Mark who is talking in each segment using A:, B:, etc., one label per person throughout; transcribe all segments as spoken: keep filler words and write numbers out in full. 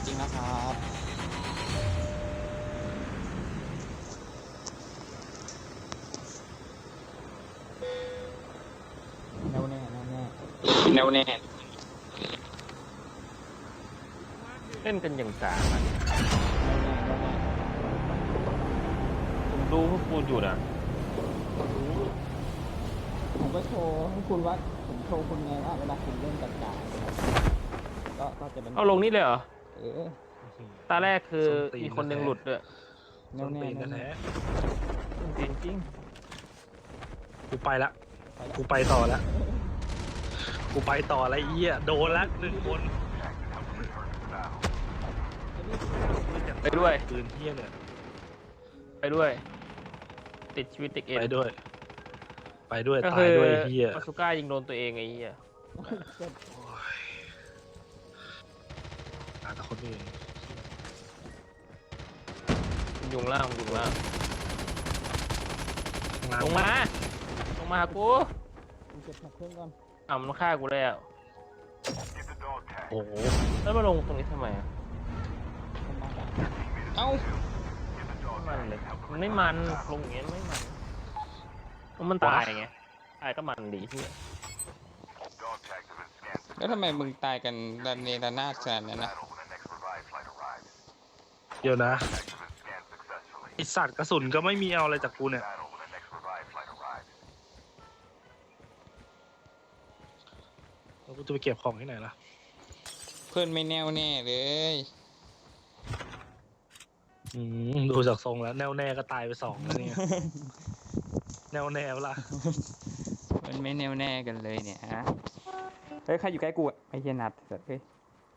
A: ริงนะครับแน่วแน่แน่วแน่แน่วแน่
B: เล่นกันอย่างกลางอะ
A: แน่วแน่แน่วแน่
B: ผมดูพวกคุณอยู่นะ
A: ผมก็โชว์ให้คุณว่าผมโชว์คุณไงว่าเวลาคุณเล่นกับจ่าก็ก็จะเป็น
B: เอาลงนี่เลยเหรอ
A: เออ
B: ตาแรกคือ
C: ส้นตีน
B: มีคนหนึ่งหลุดด้วย
A: แน่
C: ส้
A: วน แน่
C: ตีน
A: แน่ว
C: แท้
A: แน่
B: จริงจริง
C: กูไปละกูไปต่อละกูไปต่อละเอี้ยโดนละหนึ่งคน
B: ไปด้วย
C: ปืนเหี้ยเนี่ย
B: ไปด้วย ติดชีวิตเด็กเอ็น
C: ไปด้วย ไปด้วย
B: ก็
C: ตา
B: คื
C: ย
B: อ
C: ด้วยเหี้ย
B: มาสุก้ายิงโดนตัวเองไอ้เหี้ย
C: หาแต่คนอื่น
B: ยุงล่างยุงล่าง
C: ข้างล่าง
B: ลงมา ลงมาหากู
A: คุณเก็บแท็กเครื่องก่อน
B: อ่ะมันฆ่ากูแล้ว
C: โอ้โห
B: แล้วมาลงตรงนี้ทำไมอะ
A: ผมมาด่าเอ้า
B: ไม่มันเลยมันไม่มันลงอย่างเงี้ยไม่มันเพราะมันตายไงตายก็มันดีที่
A: แล้วทำไมมึงตายกันระเนระนาดขนาดนั้นนะ
C: เดี๋ยวนะไอสัตว์กระสุนก็ไม่มีเอาอะไรจากกูเนี่ยแล้วกูจะไปเก็บของที่ไหนล่ะ
A: เพื่อนไม่แน่วแน่เลย
C: อืมดูจากทรงแล้วแน่วแน่ก็ตายไปสองแล้วเนี่ย แน่วแน่เวล่ะ
A: มันไม่แน่วแน่กันเลยเนี่ยฮะเฮ้ยใครอยู่ใกล้กูอะไอ้เฮียนัดเสร็จเฮ้ย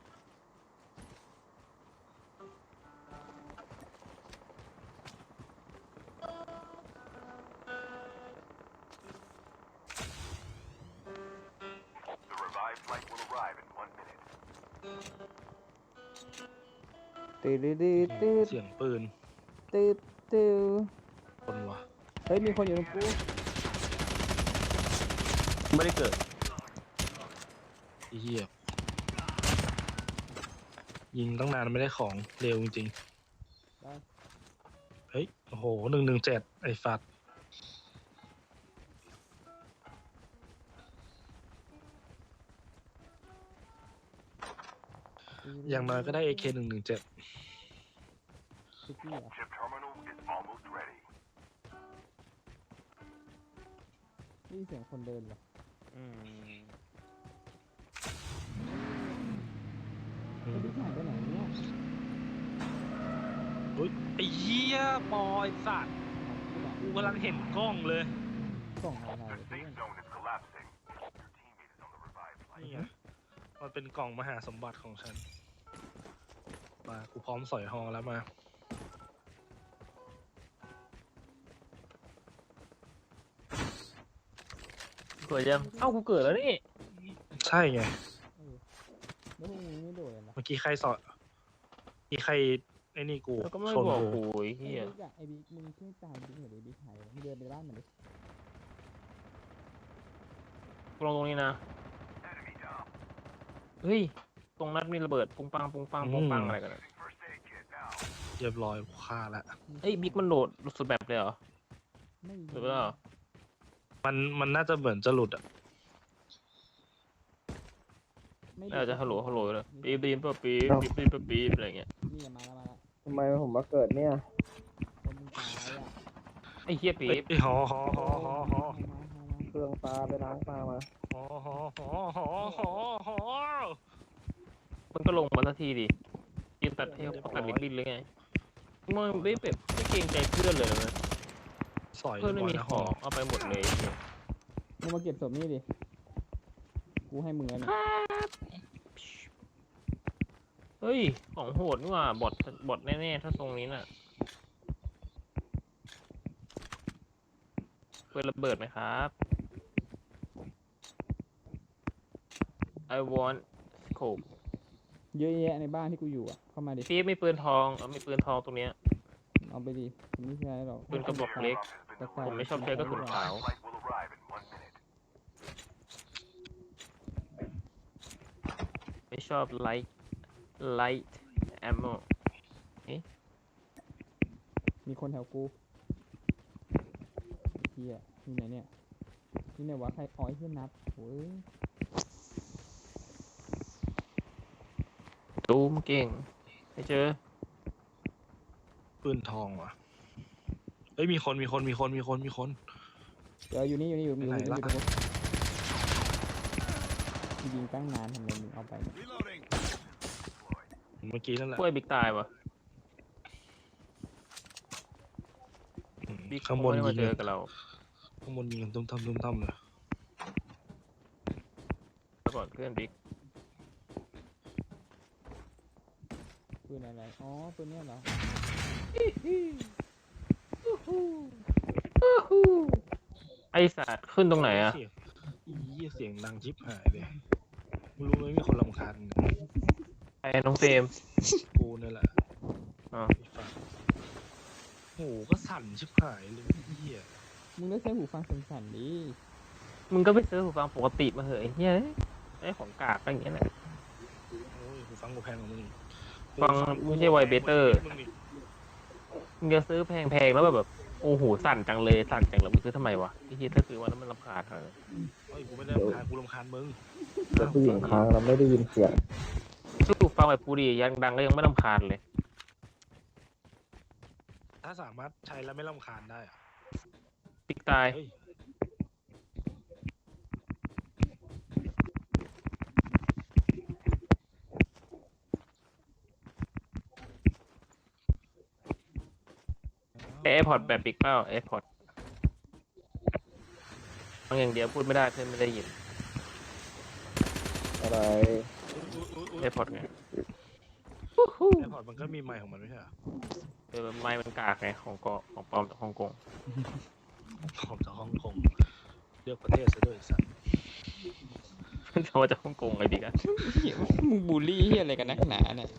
A: ตืดตืดตืด
C: เสียงปืน
A: ตืดตืด
C: คนวะ
A: เฮ้ยมีคนอยู่ตรงกู
B: ไม่ได้เกิด
C: ไอ้เหี้ยยิงตั้งนานไม่ได้ของเร็วจริง
A: ได้
C: ๆเฮ้ยโอ้โหหนึ่งหนึ่งเจ็ดไอ้ฟัดอย่างน้อยก็ได้ เอ เค หนึ่งหนึ่งเจ็ด
A: ซิกี้เหรอนี่เสียงคนเดินเหรอ
B: อืม
A: ไอ้ที่หายไปไหนเนี่ย
C: เฮ้ยไอ้เหี้ยปอไอ้สัตว์กูกำลังเห็นกล้องเลย
A: กล่องอะไรเพื่อน
C: นี่ไงมันเป็นกล่องมหาสมบัติของฉันมากูพร้อมสอยฮอแล้วมา
B: เกิดยังเอ้ากูเกิดแล้วนี่
C: ใช่ไง
A: แล้วพวกมึงไม่โดดเลยนะ
C: เมื่อกี้ใครสอดมีใครไอ้นี่กู
B: แล้วก็ไม่
C: ชน
B: บอก
C: กู
B: กูไอ้
A: ไอ้
B: เหี้ย
A: บิ๊กอะไอ้บิ๊กมึงช่วยตามบิ๊กหน่อยดิบิ๊กหายมึงเดินไปบ้านมันดิ
B: กูลงตรงนี้นะเฮ้ยตรงนั้นมีระเบิดปุ้งปังปุ้งปังปุ้งปังอะไรกันอะ
C: เรียบร้อยฆ่าแล้ว
B: เฮ้ยบิ๊กมันโหลดสุดแบบเลยเหรอ
A: ไม่
B: หรือเปล่า
C: มันมันน่าจะเหมือนจะหลุดอ่ะ
A: ไม่
B: น่าจะฮัลโหลฮัลโหลเลยปีบปีบปีบปีบปีบปีบปีบอะไรเงี้ย
A: นี่มาแล้วมาแล้ว
D: ทำไมผมมาเกิดเนี่ย
A: คนมึงตายอ่ะ
B: ไอ้เหี้ยปี
C: เฮ้ย
B: บ
C: หอหอหอหอหอ
A: มามามามา
D: เครื่องปลาไปล้างปลามา
C: หอหอหอหอหอหอ
B: มันก็ลงมาสักทีดิยืนตัดเทลตัดลิบบิ้นเลยไงมึงไม่แบบไม่เกรงใจเพื่อนเลยนะ
C: สอย
B: เพื่อนไม่มี
C: นะ
B: ของเอาไปหมดเลยเนี่ย
A: มึงมาเก็บศพนี่ดิ กูให้มึงแล้วเนี่ย
B: เฮ้ยของโหดนี่หว่าบอทบอทแน่ๆถ้าตรงนี้น่ะเปิดระเบิดไหมครับ I want scope
A: เยอะแยะในบ้านที่กูอยู่อ่ะ เข้ามาดิ
B: พี่มีปืนทองเอามีปืนทองตรงเนี้ย
A: เอาไปดิผมไม่ใช่หรอก
B: ปืนกระบอกเล็ก
A: แต่ใส่
B: ผมไม่ชอบใช้กระสุนขาว ไม่ชอบไลท์ไลท์แอมโม
A: มีคนแถวกูเฮียนี่ไหนเนี่ยนี่ไหนวะใครอ๋อไอ้เฮียนับโอ้ย
B: ตูมเก่งไม่เจอ
C: ปืนทองว่ะเฮ้ยมีคนมีคนมีคนมีคนมีคน
A: เดี๋ยวอยู่นี่อยู่นี่อยู่อยู่
C: ไหน
A: อยู่
C: ล่ะ
A: อยู่ตรงนู้นยิงตั้งนานทำไมมึงเอาไปเนี่ย
C: เมื่อกี้นั่นแหละ
B: กล้วยบิ๊กตายวะ
C: อืม
B: บิ๊ก
C: ข้างบน
B: ไม่ได้
C: ยิ
B: มาง เจอกับเรา
C: ข้างบนยิงกันตุ้มตั้มตุ้มตั้มเลย
B: แล้วก่อนเพื่อนบิ๊ก
A: ปืนอะไรอ๋อปืนเนี้ยเหรอ
B: ไอสัตว์ขึ้นตรงไหนอะ
C: เสียงอีเหี้ยเสียงดังชิบหายเลยไม่รู้ไหมมีคนรำคาญ
B: ไอ้น้องเฟรม
C: กูนี่แหละ
B: อ๋อ
C: ไอ้ฟังโอ้โหก็สั่นชิบหายเลยเหี้ย
A: มึงได้ใช้หูฟังสั่นๆดิ
B: มึงก็ไปซื้อหูฟังปกติมาเหอะไอ้เฮ้ยไอ้ของกากอะไรอย่างเงี้ยแหละ
C: โอ้ยหูฟังกูแพงกว่ามึงอีก
B: ฟังไม่ใช่ไวเบเตอร์
C: มึงอีก
B: มึงจะซื้อแพงๆแล้วแบบแบบโอ้โหสั่นจังเลยสั่นจังเลยมึงซื้อทำไมวะไอ้เหี้ยถ้าซื้อวันนั้นมันรำคาญเธอ
C: เฮ้ยกูไม่ได้รำคาญกูรำคาญมึง
D: แต่ผู้หญิงค้างเราไม่ได้ยินเสียง
B: ซื้อหูฟังแบบกูดียังดังก็ยังไม่รำคาญเลย
C: ถ้าสามารถใช้แล้วไม่รำคาญได้อะ
B: บิ๊กตาย
C: เฮ้ย
B: แอร์พอร์ตแบบบิ๊กเป้าแอร์พอร์ตฟังอย่างเดียวพูดไม่ได้เพื่อนไม่ได้ยิน
D: อะไร
B: แอร์พอร์ตไง
C: ไอพอร์ตมันก็มีไมค์ของมันไม่ใช่เหรอ
B: เออไม้มันกากไงของเกาะของปลอมจากฮ่องกง
C: ผมจากฮ่องกงเลือกประเทศซะด้วยไอ้สัส
B: จะมาจากฮ่องกงไอ้บิ๊กอะ
A: เหี้ยมึงบูลลี่เฮียอะไรกันนักหนาเนี่ย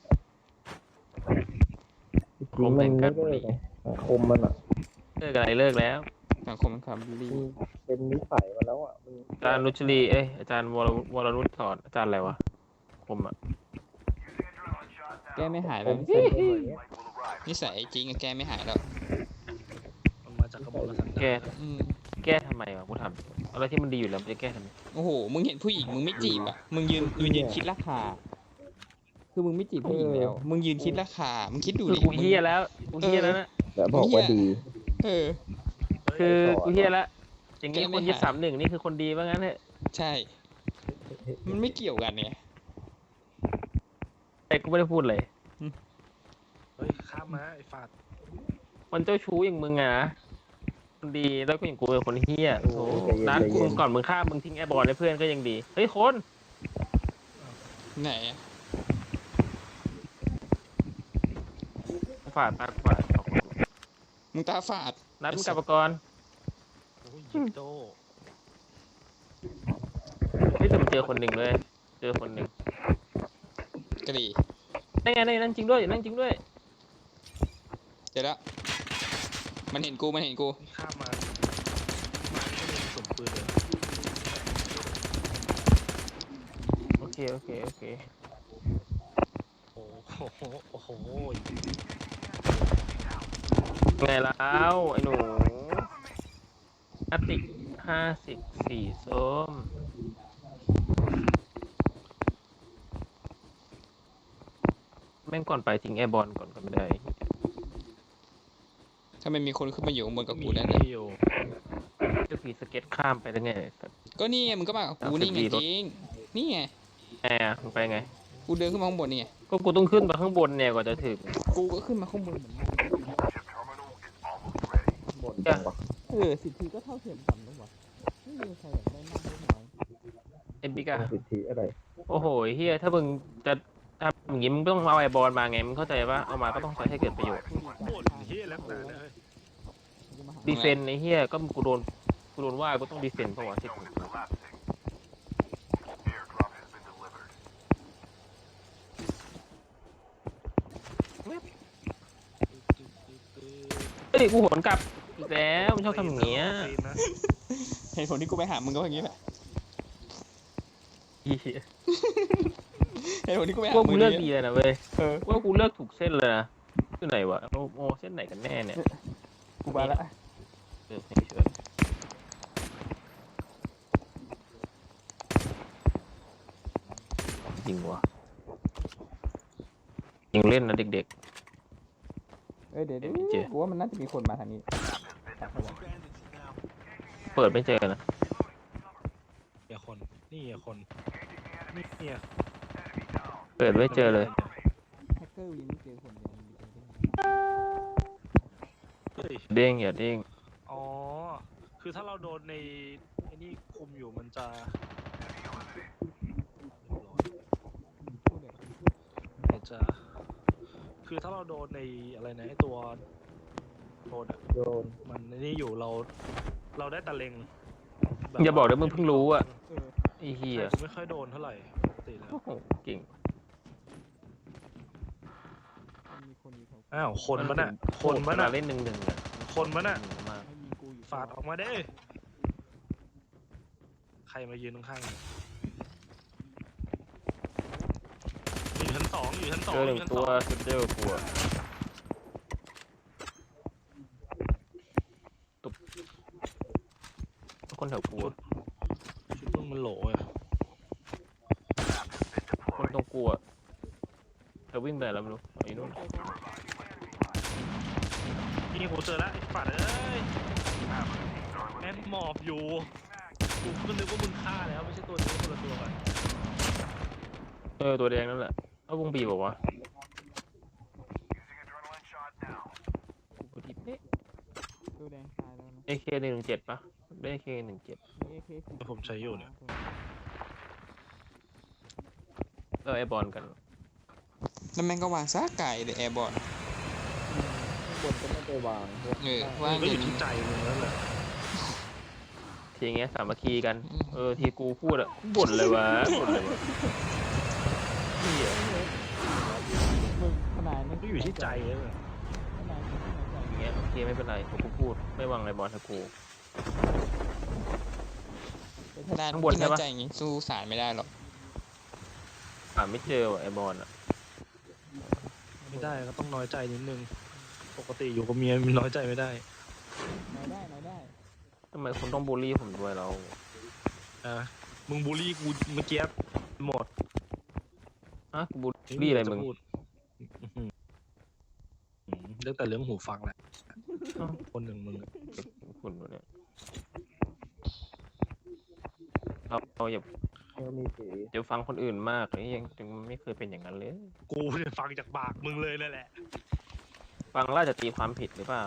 D: จริงๆมันไม่ได้ไงสังคมมันอ่ะ
B: เลิกอะไรเลิกแล้ว
A: สังคมมันความบูลลี่
D: มันเป็นนิสัยมาแล้วอ่ะมัน
B: อาจารย์นุชลีเอ้ยอาจารย์วรวรนุชสอนอาจารย์อะไรวะผมอะ
A: แก้ไม่หาย
D: ผ
A: แล้ว
D: ม
A: นิ
D: เป็น
A: สัย
D: คนอย่างเงี้ย
E: นิสัยจริงอะแกไม่หายแล้ว
C: มันมาจากกระบอกกระสัน
B: แก้
C: ดาน
A: อืม
B: แก้ทำไมวะกูทำอะไรที่มันดีอยู่แล้วมันจะแก้ทำไม
E: โอ้โห มึงเห็นผู้หญิงมึงไม่จีบอ่ะ มึงยืนมึงยืนคิดราคา
A: คือมึงไม่จีบผู้หญิงแล้ว
E: มึงยืนคิดราคา มึงคิดดู
B: คือ
E: ดิ
B: กูเฮียแล้วกูเฮียแล้วนะ
D: แล้วบอกว่าดี
E: เออ
B: คือกูเฮียแล้วอย่างงี้
E: แก้ไม่
B: คนยึด
E: หาย
B: สามหนึ่งนี่คือคนดีว่างั้นเถอะ
E: ใช่ มันไม่เกี่ยวกันเนี่ย
B: แต่กูไม่ได้พูดเลย
C: เฮ้ยข้ามมาไอ้ฟาด
B: มันเจ้าชู้อย่างมึงอะนะคนดีแล้วก็อย่างกูเป็นคนเฮียโอ้โห
D: ใจเย็น
B: นัด
D: ใจ
B: กู
D: เย็น
B: ก่อนมึงฆ่ามึงทิ้งแอร์บอลให้เพื่อนก็ยังดีเฮ้ยคน
E: ไหนอะ
B: ฝาดตาฝาด
E: มึงตาฝาด
B: นัดมึงกลับมาก่อน
C: โอ้ยยิงโต
B: เฮ้ยแต่มันเจอคนหนึ่งเลยเจอคนหนึ่ง
E: กะหรี่
B: นั่นไงนั่นไงนั่นจริงด้วยนั่นจริงด้วย
E: เดี๋ยวแล้วมันเห็นกู มันเห็นกู
C: นี่ข้ามมามานี่ก็มีกระสุนปืนเลย
B: โอเคโอเคโอเค
C: โอ้โหโอ้โห
B: ไงแล้วไอ้หนูอาติกห้าสิบสี่ส้มแม่งก่อนไปทิ้งแอร์บอลก่อนก็ไม่ได้
E: ถ้ามันมีคนขึ้นมาอยู่ข้างบนกับกูแล้ว
C: มี
E: นะ
C: อยู่
B: จะผีสเก็ตข้ามไปได้ไง
E: ก็นี่ไงมึงก็มากับกู
B: สามสิบ
E: นี่ไง
B: สี่รถ
E: จริง นี่ไง
B: แอร์มึงไปไง
E: กูเดินขึ้นมาข้างบนนี่ไง
B: ก็กูต้องขึ้นไปข้างบนเนี่ยกว่าจะถึง
E: กูก็ขึ้นมาข้างบนเหมือนกัน
D: บ่นจังวะ
A: เออสิทธิก็เท่าเทียมกันแล้ววะไม่มีใครอยากได้มากได้น้อย
B: เอ็มบิกอะ
D: สิทธิอะไร
B: โอ้โหเฮียถ้ามึงจะทำอย่างงี้มึงต้องเอาไอ้บอลมาไงมึงเข้าใจปะเอามาก็ต้องใช้ให้เกิดประโยชน์
C: บ่นเฮียแล้วนะเฮ้ย
A: จะมาหา
B: ดีเฟนในเฮียก็กูโดนกูโดนว่ากูต้องดีเฟนเพราะว่าที่กูเฮ้ยกูหวนกลับอีกแล้วมันชอบทำอย่างเงี้ย
C: ตีนนะ
E: เหตุผลที่กูไปหามึงก็อย่างนี้แหละ
B: เหี้ย
E: เหตุผลที่กูไม่
B: พ
E: หาว
B: ก
E: มื
B: กู
E: อ
B: เลือก
E: นี้
B: ดีเลยนะเว้ย
A: เออ
B: ว่ากูเลือกถูกเส้นเลยนะที่ไหนวะโอ้โอ้เส้นไหนกันแน่เนี่ย
A: กูมาละ
B: เออไม่เชื่อจริงวะยิงเล่นนะเด็ก
A: เอ้ยเดี๋ยว
B: เดี๋ยวไม่เจอ
A: กูว่ามันน่าจะมีคนมาทางนี้
B: ๆ เปิดไม่เจอนะ
C: เฮียคน นี่เฮียคน นี่เฮีย
B: เปิดไม่เจอเลย
A: แฮกเกอร์วีไม่เจอคนเดียวมีคนเดียว
C: เฮ้ย
B: เด้งอย่าเด้ง
C: อ๋อ คือถ้าเราโดนในไอ้นี่คุมอยู่มันจะ
A: พูดเลย
C: มันจะ คือถ้าเราโดนในอะไรนะไอ้ตัวโดนอะ
D: โดน
C: มันไอ้นี่อยู่เรา เราได้ตะเล็งแบบ
B: อย่าบอกนะมึงเพิ่งรู้อะ
A: เออ
B: ไอ้เหี้ย
C: ใช่กูไม่ค่อยโดนเท่าไหร่ปกติแล้ว
B: โอ้โหเก่ง
A: มันมีคนอยู่แถว
C: อ้าวคนมันอะคนมัน
B: เวลา
C: อะ
B: เล่นหนึ่งหนึ่งอะ
C: คนมันอะ
B: หนึ่งมาก
A: ไม่มีกูอยู่
C: ฝาดออกมาเด้ใครมายืนข้างๆเนี่ยอยู่ชั้นสองอยู่ชั้นสอง
B: เจอห
C: อ
B: นึ่ง
C: ยู่ชั้น
B: ตั
C: ส
B: ว
C: อง
B: สุดเดียวกลัวตุ๊บคนแถวกลัว
C: ชุดมึงมันโหลอะ
B: คนต้องกลัวเธอวิ่งไปไหนแล้วไม่รู้ไอ้นู่น
C: นี่กูเจอแล้วไอ้ฝาดเอ้ยแม่งหมอบอยู่กูก็นึกว่ามึงฆ่าแล้วไม่ใช่ตัวนี้คนละตัวกัน
B: เออตัวแดงนั่นแหละเอาวงบีบอกว่ากูผิดเอ๊ะ
A: ตัวแดงตายแล้วนะ
B: เอเคหนึ่งหนึ่งเจ็ดปะได้เอเคหนึ่งเจ็ด
A: มี เอ เค สี่
C: ผมใช้อยู่เนี่ย
B: ก็ไอบอลกัน
E: แล้วแม่งก็วางซะไก่เลยแอร์บอล
D: บนก็ไม่ได้วาง
E: เออ
C: มั
E: ว่าง
C: นก็
E: อ
C: อยู่ ยู่ที่ใจมึงแล้วแหละ
B: ทีอย่างเงี้ยสามัคคีกัน เออทีกูพูดอะบ่นเลยวะบ่นเลยวะเหี้ย
A: มึงขนาด
C: มันก็อยู่ที่ใจแล้วแหละ
A: ขนาดนี้ที่ไหน
B: อย่างเงี้ยโอเคไม่เป็นไรผมกูพูดไม่วางไอบอลถ้ากู
E: ด้าน
B: ข้างบน
E: ที่
B: ใช่
E: น้อย
B: ปะ
E: ใจอย่างงี้สู้สารไม่ได้หรอก
B: หาไม่เจอว่ะไอบอลอะ
C: ไม่ได้ก็ต้องน้อยใจนิดนึงปกติอยู่กับเมียมันน้อยใจไม่ได้
A: น้อยได้น้อยได้
B: ทำไมคุณต้องบูลลี่ผมด้วยเรา
C: อ่ะมึงบูลลี่กูเมื่อกี้หมด
B: ฮะกูบูลลี่อะไรมึง
C: จพูดอื้อหือเรื่องแต่เรื่องหูฟังแหละ
B: อ้าว
C: คนหนึ่งมึงอะ
B: คุณวะเนี่ยเราเราอย่า
D: ก็มีสี
B: จะฟังคนอื่นมากเลยยังยังไม่เคยเป็นอย่างนั้นเลย
C: กูเนี่ยฟังจากปากมึงเลยนั่นแหละ
B: ฟังแล้วจะตีความผิดหรือเปล่า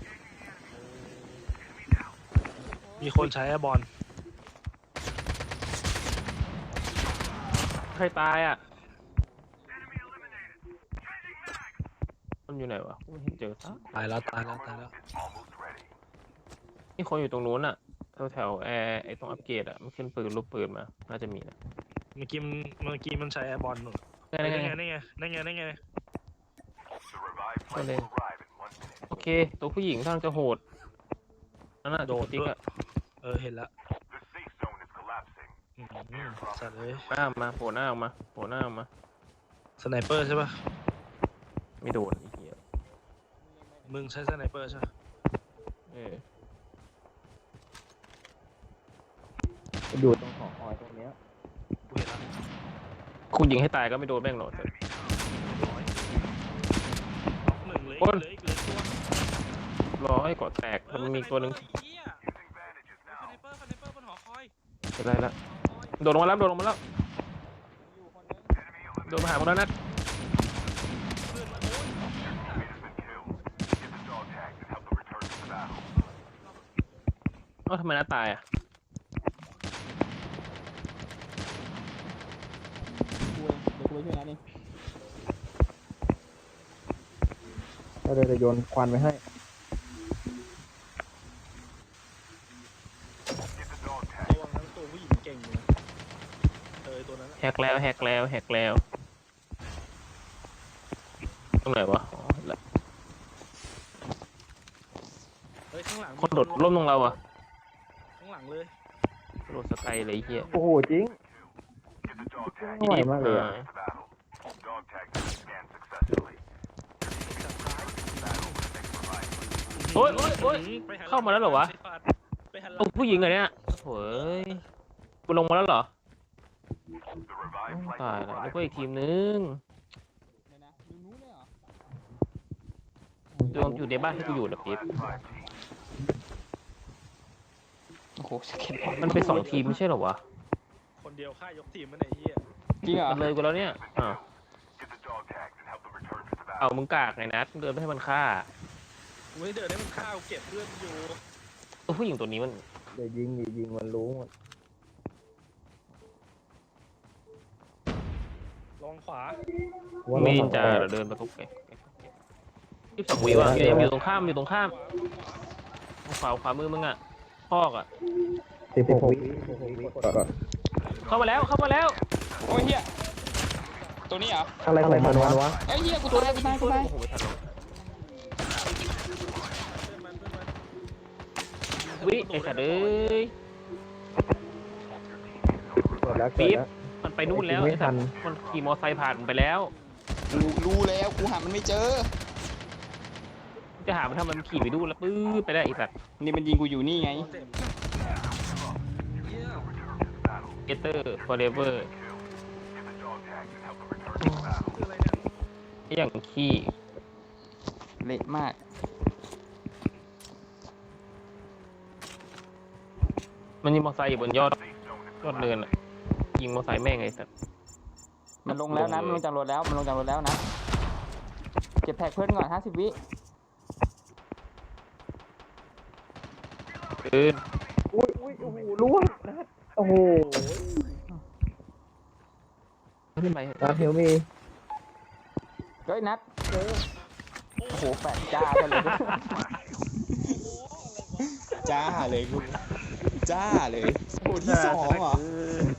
C: มีคนใช้แอร์บอล
B: ใครตายอ่ะมันอยู่ไหนวะกูไม่เห็นเจอซะ
C: ตายแล้วตายแล้วตายแล้ว
B: นี่คนอยู่ตรงนู้นอ่ะแถวแถวแอร์ไอ้ตรงอัปเกรดอ่ะมันขึ้นปืนรูปปืนมาน่าจะมีนะ
C: เมื่อกี้มันเมื่อกี้มันใช้แอร์บอลนู่น
B: ไง
C: นั่น
B: ไง
C: ไง
B: ไง
C: นั่นไงนั่นไงนั่นไง
B: ก็เลยโอเค ตัวผู้หญิงท่างจะโหดนั่นน่ะ
C: โดด
B: ติ๊ก
C: ด้วย
B: อ่ะ
C: เออเห็นแล้วอืมสัตว์เลย
B: หน้าออกมาโผล่หน้าออกมาโผล่หน้าออกมา
C: สไนเปอร์ใช่ป่ะ
B: ไม่โดนไอ้เหี้ย
C: มึงใช้สไนเปอร์ใช่ปะ
B: เออ
D: อยู่ตรงหอคอยตรงเนี้ย
C: กูเห็นแล้ว
B: คุณยิงให้ตายก็ไม่โดนแม่งหรอกแต่
C: ร้อยน็อกหนึ่งเลย
B: โอ้ย
C: เหลยเหลือตัว
B: รอให้เกาะแตกมันมีตัวหนึ่ง
C: เออสไนเปอร์ไอ้เหี้ยสไนเปอร์สไนเปอร์บนหอคอย
B: เป็นไรละโดดลงมาแล้วโดดลงมาแล้วโดดมาหาพวกนั้นนะ
C: เพื่อนมาโอ้ย
B: เอ้าทำไมน้าตายอ่ะ
A: กูเองเดี๋ยวกูไปช่วยนะนี่
D: ก็เลยจะโยนควันไปให้
C: ระวังนั้นตัวผู้หญิงเก่งอยู่นะเออตัวนั้นอะ
B: แฮกแล้วแฮกแล้วแฮกแล้วตรงไหนวะอ๋อเห็นละ
C: เฮ้ยข้างหลังมี
B: คนโดดร่มตรงเราอ่ะ
C: ข้างหลังเลย
B: โดดสไกลเลยไอ้เฮีย
D: โอ้โหจริงไม่ไหวมากเลยอะ
B: อ่าโอ๊ยโอ๊ยโอ๊ย
C: ไปหันลัง
B: เข้ามาแล้วเหรอวะ
C: ไปหันหลั
B: โอ้
C: ง
B: ผู้หญิงเหรอเนี่ยโอ้ยกูลงมาแล้วเหรอตายแล้วแล้วก็อีกทีมนึง
A: เดี๋ยวนะอยู่นู้นเลยเหรอ
B: ลงอยู่ในบ้านที่กูอยู่นะปิ๊บ
E: โอ้โหสเก็ตบอร์ด
B: มันเป็นสองทีมไม่ใช่เหรอวะ
C: คนเดียวฆ่ายกทีมมันไอ้เหี้ย
E: จริงเหรอ
B: มันเลยกูแล้วเนี่ยอ้าวเอามึงกากไงนัดมึงเดินไปให้มันฆ่า
C: กูไม่ได้เดินให้มันฆ่ากูเก็บเลือดอยู่
B: ตัวผู้หญิงตัวนี้มัน
D: เดี๋ยวยิงดิยิงมันรู้หมด
C: ลองขวา
D: ว่า
B: มี
D: เรา
B: นินจา
D: ทำ
B: เหรอเดินไปกุ๊กไก่ยี่สิบสองวิว่ะอยู่อยู่ตรงข้ามอยู่ตรงข้ามขวาขวามือมึงอ่ะพอกอ่ะ
D: สิบหกวิสิบหกวิกดก่อน
B: เข้ามาแล้วเข้ามาแล้ว
E: โอ้ยเฮียตัวนี้เหรอ
D: อะไรของมันวะ
E: เอ้ยเฮียกูตายกูตายกูตาย
B: โอ้โหไม่ทันหรอก
C: เพื่อนมันเพื่อนมัน
B: วิไอ้สัตว์เอ้ย
D: กดแล้วกด
B: ปี๊บ
D: แล้ว
B: มันไปนู่นแล้ว
D: ไม่
B: ไอ้สัตว์
D: ทัน
B: มันขี่มอไซค์ผ่านมันไปแล้ว
E: กูรู้แล้วกูหามันไม่เจอ
B: จะหามันทำมันขี่ไปดูนแล้วปื้อไปได้ไอ้สัตว์
E: นี่มันยิงกูอยู่นี่ไง
C: เจ็บเหี้ย
B: เกเตอร์ฟอร์เรเวอร์
C: คืออะไรเนี่ย
B: อย่างขี้
E: เละมาก
B: มันยิงมอไซค์อยู่บนยอดยอดเนินอ่ะยิงมอไซค์แม่งไอ้สัตว์
E: มันลงแล้วนะมันลงจากรถแล้วมันลงจากรถแล้วนะเก็บแท็กเพื่อนก่อนห้าสิบวิ
B: ปืน
D: อุ้ยอุ้ยโอ้โหล่วงนะโอ้โห
B: ขึ้นไป
D: ตาเทลมี
E: เฮ้ยนัดเจอโอ้โหแปะจ้ากันเลยจ้าเลยกูจ้าเลยโอ้ที่สองเหรอ